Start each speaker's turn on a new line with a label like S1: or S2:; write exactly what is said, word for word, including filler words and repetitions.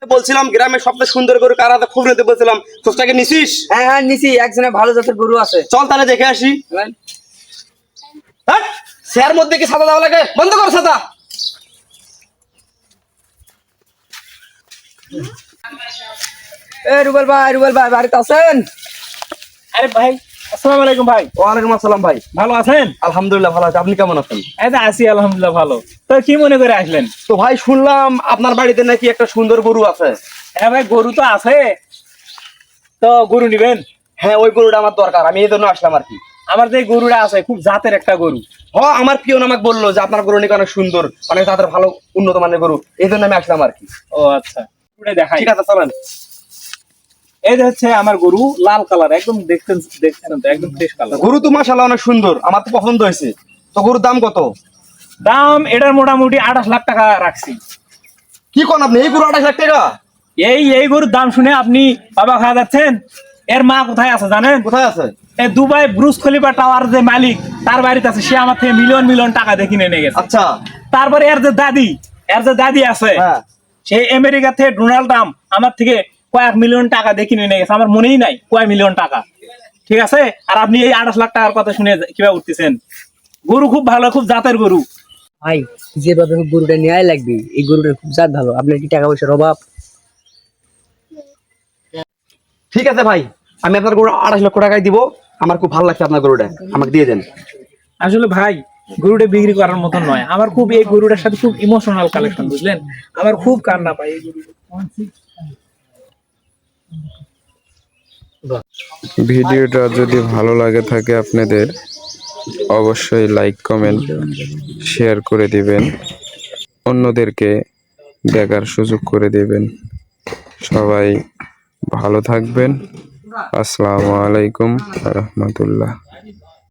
S1: বলছিলাম গ্রামের সবচেয়ে সুন্দর গরু কার হাতে খুব নিতে বলছিলাম, খোঁজটাকে নিছিস?
S2: হ্যাঁ হ্যাঁ নিছি, একজনে ভালো জাতের গরু আছে।
S1: চল তাহলে দেখে আসি। হ্যাঁ, শেয়ার মধ্যে কি ছাতা দেওয়া লাগে? বন্ধ কর ছাতা।
S2: এ রুবেল ভাই, রুবেল ভাই বাড়িতে আছেন?
S3: আরে ভাই, আসসালামু আলাইকুম ভাই।
S1: ওয়ালাইকুম আসসালাম ভাই।
S3: ভালো আছেন?
S1: আলহামদুলিল্লাহ ভালো আছি, আপনি কেমন আছেন?
S3: এই তো আছি আলহামদুলিল্লাহ ভালো। তো কি মনে করে আসলেন?
S1: তো ভাই শুনলাম আপনার বাড়িতে নাকি একটা সুন্দর গরু আছে।
S3: হ্যাঁ ভাই, গরু তো আছে। তো গরু নিবেন?
S1: হ্যাঁ, ওই গরুটা আমার দরকার, আমি এই জন্য আসলাম আর কি।
S3: আমার যে গরুটা আছে খুব জাতের একটা গরু।
S1: হ, আমার পিয়ন আমাকে বললো যে আপনার গরু নাকি অনেক সুন্দর, অনেক তাদের ভালো উন্নত মানের গরু, এই জন্য আমি আসলাম আর কি।
S3: ও আচ্ছা, গরুটা দেখাই।
S1: ঠিক আছে চলেন।
S3: এই যে হচ্ছে আমার গরু, লাল কালার, একদম দেখতেন দেখছেন তো, একদম ফ্রেশ কালার।
S1: গরু তো মাশাআল্লাহ অনেক সুন্দর, আমার তো পছন্দ হয়েছে। তো গরুর দাম কত?
S3: দাম এটার মোটামুটি আঠাশ লাখ টাকা রাখছি।
S1: কি কোন আপনি, এই গরু আঠাশ লাখ টাকা?
S3: এই এই গরুর দাম শুনে আপনি বাবা খাওয়া যাচ্ছেন? এর মা কোথায় আছে জানেন?
S1: কোথায় আছে?
S3: এই দুবাই ব্রুজ খলিফা টাওয়ার যে মালিক, তার বাড়িতে আছে। সে আমার থেকে মিলিয়ন মিলিয়ন টাকা দিয়ে কিনে নিয়ে গেছে।
S1: আচ্ছা।
S3: তারপরে এর যে দাদি, এর যে দাদি আছে,
S1: হ্যাঁ।
S3: সেই আমেরিকা থেকে ডোনাল্ড ট্রাম্প আমার থেকে কয়েক মিলিয়ন টাকা দিয়ে কিনে নিয়ে গেছে। আমার মনেই নাই কয় মিলিয়ন টাকা। ঠিক আছে, আর আপনি এই আঠাশ লাখ টাকার কথা শুনে কিভাবে উঠতেছেন? গরু খুব ভালো, খুব জাতের গরু।
S2: ভাই যেভাবে গরুটা নেওয়াই লাগবে, এই গরুটার খুব জাত ভালো। আপনার কি টাকা পয়সার অভাব?
S1: ঠিক আছে ভাই, আমি আপনার গরু আঠাশ লক্ষ টাকায় দিব। আমার খুব ভালো লাগছে আপনার গরুটা, আমাকে দিয়ে দেন।
S3: আসলে ভাই, গরুটা বিক্রি করার মতো নয়। আমার খুব এই গরুটার সাথে খুব ইমোশনাল কালেকশন, বুঝলেন? আমার খুব কান্না পাই এই গরুটা।
S4: ভিডিওটা যদি ভালো লাগে থাকে আপনাদের, অবশ্যই লাইক কমেন্ট শেয়ার করে দিবেন, অন্যদেরকে দেখার সুযোগ করে দিবেন। সবাই ভালো থাকবেন। আসসালামু আলাইকুম ওয়া রাহমাতুল্লাহ।